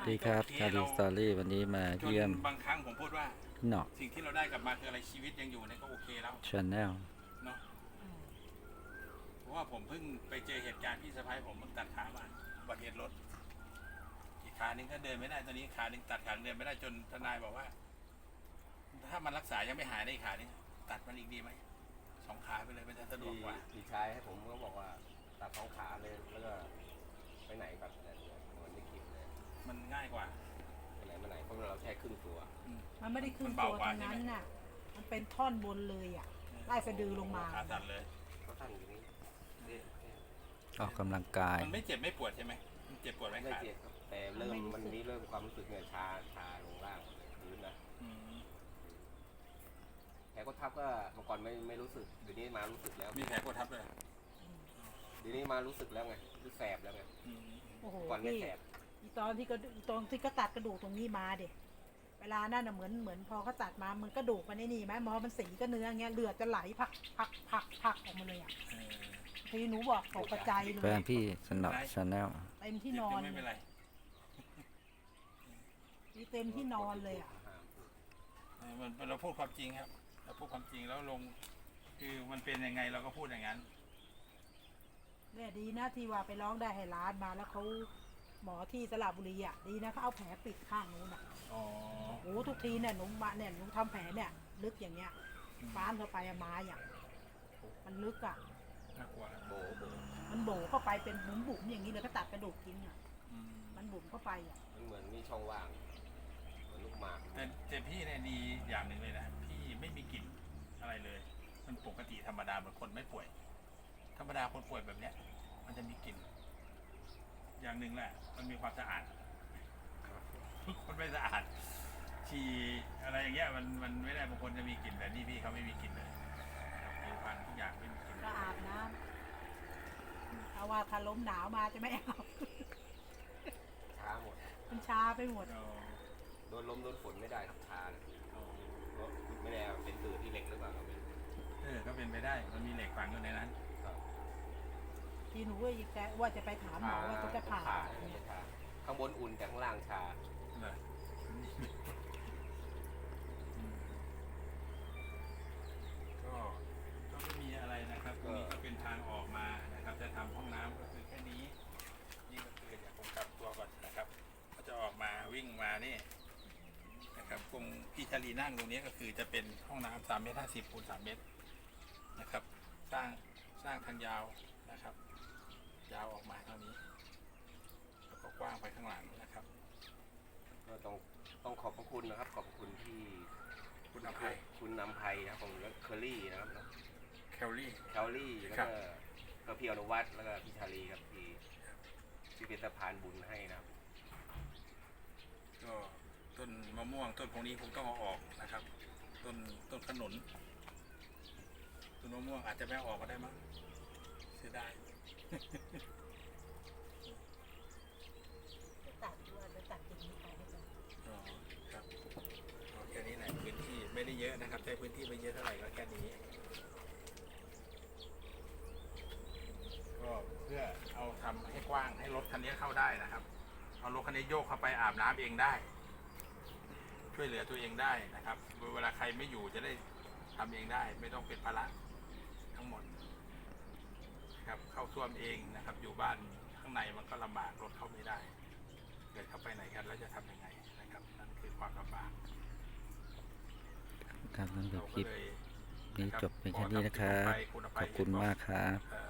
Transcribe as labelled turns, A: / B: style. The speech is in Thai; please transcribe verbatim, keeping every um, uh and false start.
A: ดีครับคาริสตอรี่วันนี้มา
B: จน
A: เยี่ยม
B: บางครั้งผมพูดว่า
A: พี่หนอก
B: สิ่งที่เราได้กลับมาคืออะไรชีวิตยังอยู่เนี่ยก็โอเคแล้ว
A: ชาแนล
B: เนาะเพราะว่าผมเพิ่งไปเจอเหตุการณ์พี่สะพ้ายผมมันตัดขามาอุบัติเหตุรถอีกขาหนึ่งก็เดินไม่ได้ตอนนี้ขาหนึ่งตัดขาเดินไม่ได้จนทนายบอกว่า ถ้ามันรักษายังไม่หายได้อีกขาหนึงตัดมันอีกดีไหมสองขาไปเลยมันจะสะดวกกว่า
C: พี่ชายให้ผมก็บอกว่าตัดสองขาเลยแล้วก็ไปไหนแบบอะไรเนี่ยเหมือนในคลิปเลย
B: มันง่ายกว่า
C: ไปไหนมาไหนเพราะเราแค่ครึ่งตัว
B: อืม
D: มันไม่ได้ขึ้น
B: มัน
D: ตั
B: เบาว กว่า
D: ตรงนั้น
B: ใช่ไหม
D: น่ะ มันเป็นท่อนบนเลยอ่ะ ไล่สะดือลงมา
B: ขาสั่นเลย
C: ก็ตั้งอยู่นี่เนี่ยเนี่ย
A: ออกกำลังกาย
B: มันไม่เจ็บไม่ปวดใช่ไหมมันเจ็บปวดไหม
C: ไม่
B: ขา
C: เจ็บครับแต่เริ่มมันนี้เริ่มความรู้สึกเนี่ยชาชาลงล่างพื้นนะ
B: อืม
C: แผลก็ทับก็เมื่อก่อนไม่ไม่รู้สึกเดี๋ยวนี้มารู้สึกแล้ว
B: มีแผลกดทับเลย
C: เดี๋ยวนี้มารู้สึกแล้วไงรู้แสบแล้วไง
B: อืม
D: โอ้โห
C: ก่อนไม่
D: พี่
C: แสบ
D: อีตอนที่ก็ตอนที่ก็ตัดกระดูกตรงนี้มาเด็เวลานั่นน่ะเหมือนเหมือนพอเขาตัดมามันกระดูกมันไอ้นี่ไหมหมอมันสีก็เนื้อเงี้ยเลือดจะไหลพักพักพักพักออกมาเลยอ่ะ
B: เออ
D: ทีหนูบอกตกใจเล
A: แฟ
D: ย
A: นพี่สนอชาแนล
D: เต็มที่
B: เจ็บ
D: นอ
B: ก็
D: น
B: ไม่เป็นไร
D: นี่เต็มที่นอนเลยอ่ะ
B: เออมันเราพูดความจริงครับ เราพูดความจริงแล้วลง คือมันเป็นยังไงเราก็พูดอย่างนั้น
D: เนี่ยดีนะที่ว่าไปร้องได้ให้ร้านมาแล้วเขาหมอที่สระบุรีอ่ะดีนะเขาเอาแผลปิดข้างนู้นอ่ะ
B: อ๋อ
D: โอ้โหทุกทีเนี่ยหนูมาเนี่ยหนูทำแผลเนี่ย ลึกอย่างเงี้ยฟ้านเข้าไปอะไม้อ่ะมันลึกอ่ะ
B: น่ากลัว
C: โบโบ
D: มันโบเข้าไปเป็นบุ๋มบุ๋มๆอย่างนี้เลยก็ตัดกระดูกทิ้งอ่ะ
B: อืม
D: มันบุ๋มเข้าไปอ่ะ
C: มันเหมือนมีช่องว่างเหมือนลูกหมาก
B: แต่แต่พี่เนี่ยดีอย่างหนึ่งเลยนะ พี่ไม่มีกลิ่นอะไรเลย มันปกติธรรมดาเหมือนคนไม่ป่วย ธรรมดาคนป่วยแบบเนี้ย มันจะมีกลิ่น อย่างหนึ่งแหละ มันมีความสะอาด ทุกคนไม่สะอาด ฉี่อะไรอย่างเงี้ยมันมันไม่ได้บางคนจะมีกลิ่นแต่นี่พี่เขาไม่มีกลิ่นเลยผิวพรรณทุกอย่างไม่มีกลิ่น
D: ก็อาบน้ำเอาว่าถ้าล้มหนาวมาจะไม่เอา
C: ช้าหมด
D: มันชาไปหมด
B: เอา
C: โดนลมโดนฝนไม่ได้ครับชาเลย
B: เอา
C: เพราะไม่ได้เป็นสื่อที่เหล็กหรือเปล่าเราไม่รู้
B: เออก็เป็นไปได้ มันมีเหล็กฝังอยู่ในนั้น
C: ครับ
D: ทีหนูว่าจะว่าจะไปถามหมอว่าจะผ่า
C: ผ่าชาข้างบนอุ่นแต่ข้างล่างชา
B: เลยอืมก็ก็ไม่มีอะไรนะครับตรงนี้ก็เป็นทางออกมานะครับ จะทำห้องน้ำก็คือแค่นี้ นี่ก็คือเดี๋ยวผมกลับตัวก่อนนะครับ ก็จะออกมาวิ่งมานี่นะครับตรงพี่ชาลีนั่งตรงนี้ก็คือจะเป็นห้องน้ำสามเมตรห้าสิบคูณสามเมตรนะครับ สร้างสร้างทางยาวนะครับ ยาวออกมาเท่านี้ แล้วก็กว้างไปข้างหลังนะครับ
C: ก็ต้องต้องขอบพระคุณนะครับ ขอบพระคุณที่
B: คุณอภัย
C: คุณนำภัยนะครับของเคอรี่นะครับ
B: แคลรี่
C: แคลรี่แล้ว
B: ครั
C: ก็
B: บ
C: ก็พี่อนุวัฒน์แล้วก็พี่ชาลีครับที่ที่เป็นสะพานบุญให้นะครับ
B: ก็ต้นมะม่วงต้นพวกนี้คงต้องเอาออกนะครับ ต้นต้นขนุนต้นมะม่วงอาจจะไม่เอาออกก็ได้มั้งเสียดาย
D: จะตัดด้วยจะตัดกิ่งนี้ไปให้ก่อน
B: อ๋อครับเอาแค่นี้แหละพื้นที่ไม่ได้เยอะนะครับใช้พื้นที่ไม่เยอะเท่าไหร่ก็แค่นี้ก็เพื่อเอาทำให้กว้างให้รถคันนี้เข้าได้นะครับเอารถคันนี้โยกเข้าไปอาบน้ำเองได้ ช่วยเหลือตัวเองได้นะครับเวลาใครไม่อยู่จะได้ทำเองได้ ไม่ต้องเป็นภาระทั้งหมดนะครับเข้าท่วมเองนะครับ อยู่บ้านข้างในมันก็ลำบากรถเข้าไม่ได้เกิดเข้าไปไหนกันแล้วจะทำยังไงนะครับนั่นคือความลำบาก
A: ครับนั่นเป็น
B: เรา
A: ค
B: ก็
A: ลิป
B: เลย
A: นี้จบเป็นแค่นี้นะครับ ขอบคุณมากครับ
B: เอ่อ